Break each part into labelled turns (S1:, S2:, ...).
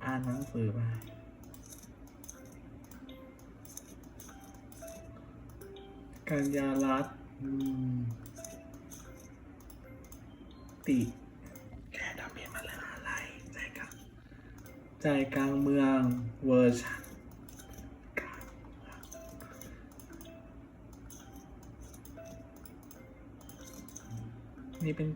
S1: อ่านหนังสือไปกัญญารัตน์ติแค่ทำเพียงมาแล้วอะไรใจกลางเมืองเวอร์ชันนี่เป็น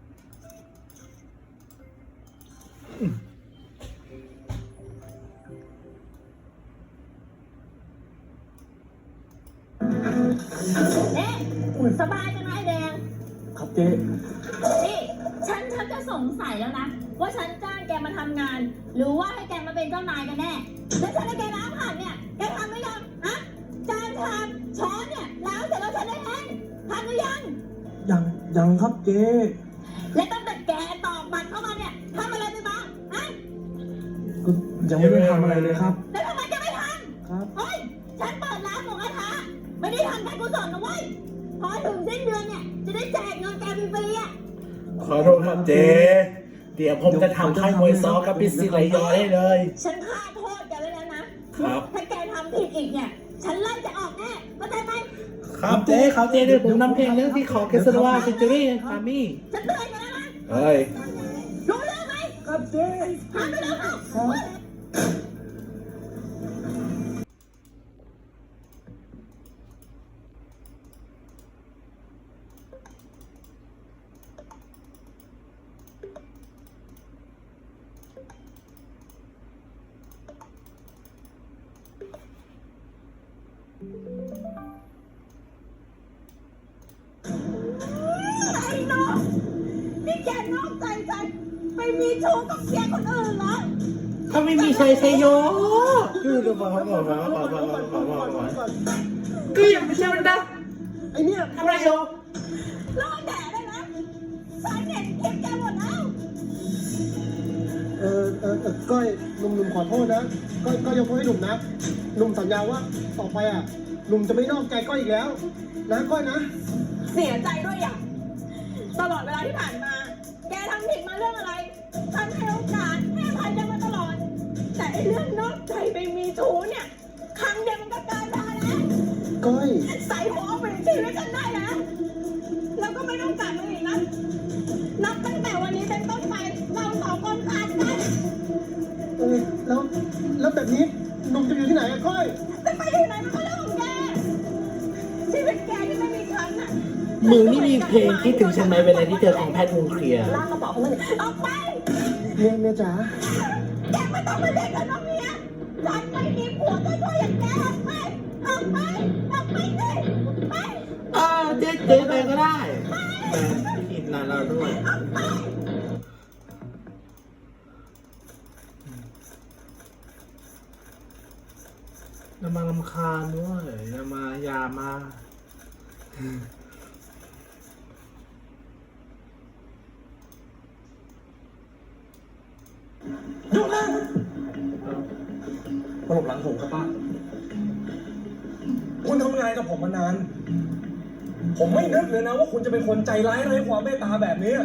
S2: สบายจังนะไอ้แดง
S3: ครับเจ๊
S2: นี่ฉันจะสงสัยแล้วนะว่าฉันจ้างแกมาทำงานหรือว่าให้แกมาเป็นเจ้านายกันแน่แล้วฉันให้แกล้างผักเนี่ยแกทำหรือยังฮะจานชามช้อนเนี่ยล้างเสร็จแล้วฉันได้เองทำหรือยัง
S3: ครับเจ๊
S2: และตั้งแต่แกตอกบัตรเข้ามาเนี่ยทำอะไรไปบ้างฮะ
S3: ก็ยังไม่ได้ทำอะไรเลยครับ
S2: แล้วทำไมจะไม่ทำ
S3: ครับ
S2: เฮ้ยฉันเปิดร้านหมูกระทะไม่ได้ทำการกุศลนะเว้ยพอถึงสิ้นเดือนเนี่ยจะได้แจกเงินแกฟรีๆอ่ะ
S1: ขอโทษครับเจ๊เดี๋ยวผมจะทำค่ายมวยซ้อกับพิซิไลยอได้เลย
S2: ฉันฆ่าโทษแกไว้แล้วนะครับถ้าแกทำผิดอีกเนี่ยฉันไล่จะออกแน่เข้าใจไหม
S1: ครับเจ๊เดี๋ยวผมนำเพลงเรื่องที่ขอเกสรวาฟิชเจอรี่พามี่
S2: ฉันเตือนแกแล้วนะ
S1: เฮ้ย
S2: รู้เรื่องไหม
S3: ครับเจ๊
S2: ทำไปแล้วค่ะไอ้น้องนี่แกนอกใจฉันไปมีชู้กับเสียคนอื่นเหรอ
S1: ถ้าไม่มีชัยโยคือดูบอกก็ยังไม่ใช่มันนะ
S3: ไอเนี่ย
S1: ทำไรโย
S2: รอแดดได้นะฉันเห็นคลิปแกหมดแล้ว
S3: ก้อยหนุ่มขอโทษนะก้อยยกโทษให้หนุ่มนะหนุ่มสัญญาว่าต่อไปอ่ะหนุ่มจะไม่นอกใจก้อยอีกแล้วนะก้อยนะ
S2: เสียใจด้วยอย่างตลอดเวลาที่ผ่านมาแกทำผิดมาเรื่องอะไรฉันให้โอกาสให้อภัยแกมาตลอดแต่ไอ้เรื่องนอกใจไปมีชู้เนี่ยครั้งเดียวมันก็เกินพอแล้ว
S3: ก้อย
S2: ใส่หัวเอาไปชีวิตฉันได้แล้วแล้วก็ไม่ต้องกลับมาอีกนะนับตั้งแต่วันนี้เป็นต้นไปเราสองคนขาดกัน
S3: แล้วแบบนี้หนุ่มจะอยู่ที่ไหนอะก้อย
S2: จะไปที่ไหนมันก็เรื่องของแกชีวิตแกที่ไม่มีฉันน่ะ
S1: มึงนี่มีเพลงคิดถึงฉันไหมเวลาที่เจอของแพทย์วงเคลียร์
S2: ลากกระเป๋าของมันออกไป
S3: เมียจ๋า
S2: แกไม่ต้องมาเรียกกันน้องเมียฉันไม่มีผัวช่วยอย่างแกออกไปสิไป
S1: เจ๊ไปก็ได้แต่ผิดนะเราด้วยอย่ามารำคาญด้วยอย่ามา
S3: หยุดนะมาหลบหลังผมครับป้าคุณทำงานกับผมมานานผมไม่นึกเลยนะว่าคุณจะเป็นคนใจร้ายไร้ความเมตตาแบบนี้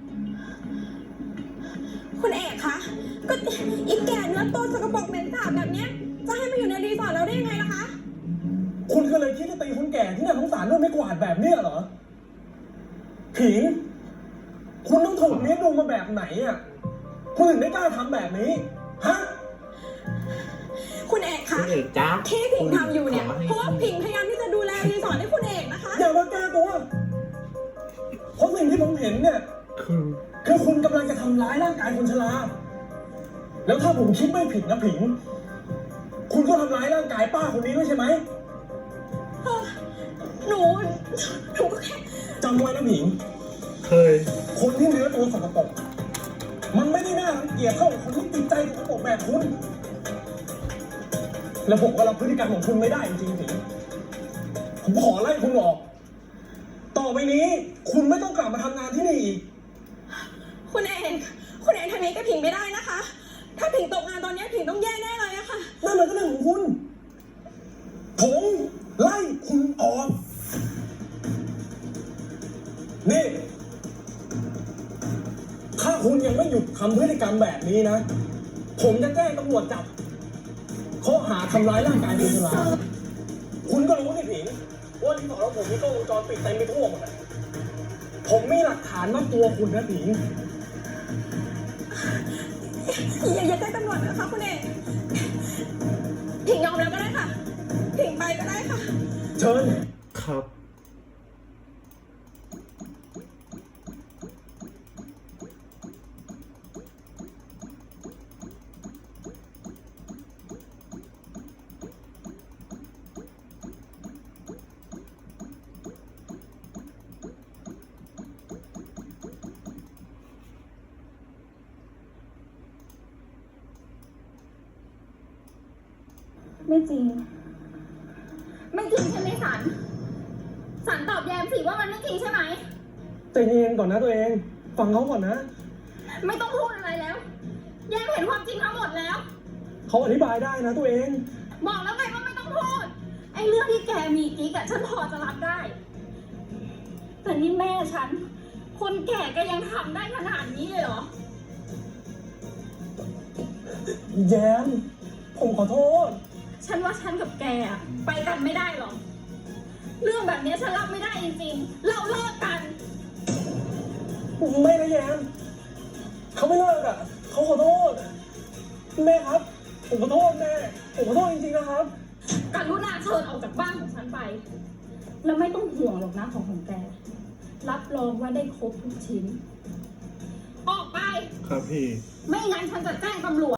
S2: คุณเอกคะก็อีกแก่เนื้อโตสกปรกเหม็นสาบแบบเนี้ยจะให้มาอยู่ในรีสอร์ทเราได้ยังไงล่ะคะ
S3: คุณก็เลยคิดจะตีคนแก่ที่น่าสงสารด้วยไม่กวาดแบบนี้เหรอผิงคุณต้องถูกเลี้ยงดูมาแบบไหนอ่ะคุณถึงได้กล้าทำแบบนี้ฮะ
S2: คุณเอกคะที่ผิงทำอยู่เนี่ยเพราะว่าผิงพยายามที่จะดูแลรีสอร์ทให้คุณเอกนะคะ
S3: อย่ามาแก้ตัวเพราะสิ่งที่ผมเห็นเนี่ยคือคุณกำลังจะทำร้ายร่างกายคนชราแล้วถ้าผมคิดไม่ผิดนะผิงคุณก็ทำร้ายร่างกายป้าคนนี้ด้วยใช่ไหม
S2: หนูก็แค่
S3: จำไว้นะผิง
S1: เคย
S3: คนที่เนื้อตัวสกปรกมันไม่ได้น่ารังเกียจเท่าคนที่ติดใจสกปรกแบบคุณแล้วผมก็รับพฤติกรรมของคุณไม่ได้จริงๆผิงผมขอไล่คุณออกต่อไปนี้คุณไม่ต้องกลับมาทำงานที่นี่อีก
S2: คุณเอกทำนี้กับผิงไม่ได้นะคะถ้าผิงตกงานตอนนี้ผิงต้องแย่แน่เลยอะค่ะ
S3: นั่นมันก็เรื่องของคุณผมไล่คุณออกนี่ถ้าคุณยังไม่หยุดทำพฤติกรรมแบบนี้นะผมจะแจ้งตำรวจจับข้อหาทำร้ายร่างกายคนชราคุณก็รู้นี่ผิงว่าที่บอกว่าผมมีกล้องวงจรปิดเต็มไปทั่วหมดอะผมมีหลักฐานมัดตัวคุณนะผิง
S4: อย่าแจ้งตำรวจนะคะคุณเอกผิงยอมแล้วก็ได้ค่ะผิงไปก็ได้ค่ะ
S3: เชิญ
S1: ครับ
S2: ไม่จริง ไม่จริงใช่ไหมสัน สันตอบแยมสิว่ามันไม่จริงใช่ไหม
S3: ใจเย็นก่อนนะตัวเอง ฟังเขาก่อนนะ
S2: ไม่ต้องพูดอะไรแล้ว แยมเห็นความจริงทั้งหมดแล้ว
S3: เขาอธิบายได้นะตัวเอง
S2: บอกแล้วไงว่าไม่ต้องพูด ไอ้เรื่องที่แกมีกิ๊กอะฉันพอจะรับได้ แต่นี่แม่ฉัน คนแก่ก็ยังทำได้ขนาดนี้เลยเหรอ
S3: แย้ม ผมขอโทษ
S2: ฉันว่าฉันกับแกอะไปกันไม่ได้หรอก เรื่องแบบนี้ฉันรับไม่ได้จริงๆ เราเลิกกัน
S3: ไม่นะแย้ม เขาไม่เลิกอ่ะ เขาขอโทษ แม่ครับ ผมขอโทษแม่ ผมขอโทษจริงๆนะครับ
S2: กรุณาเชิญออกจากบ้านของฉันไป แล้วไม่ต้องห่วงหรอกนะของแก รับรองว่าได้ครบทุกชิ้น ออกไป
S1: ครับพี่
S2: ไม่งั้นฉันจะแจ้งตำรวจ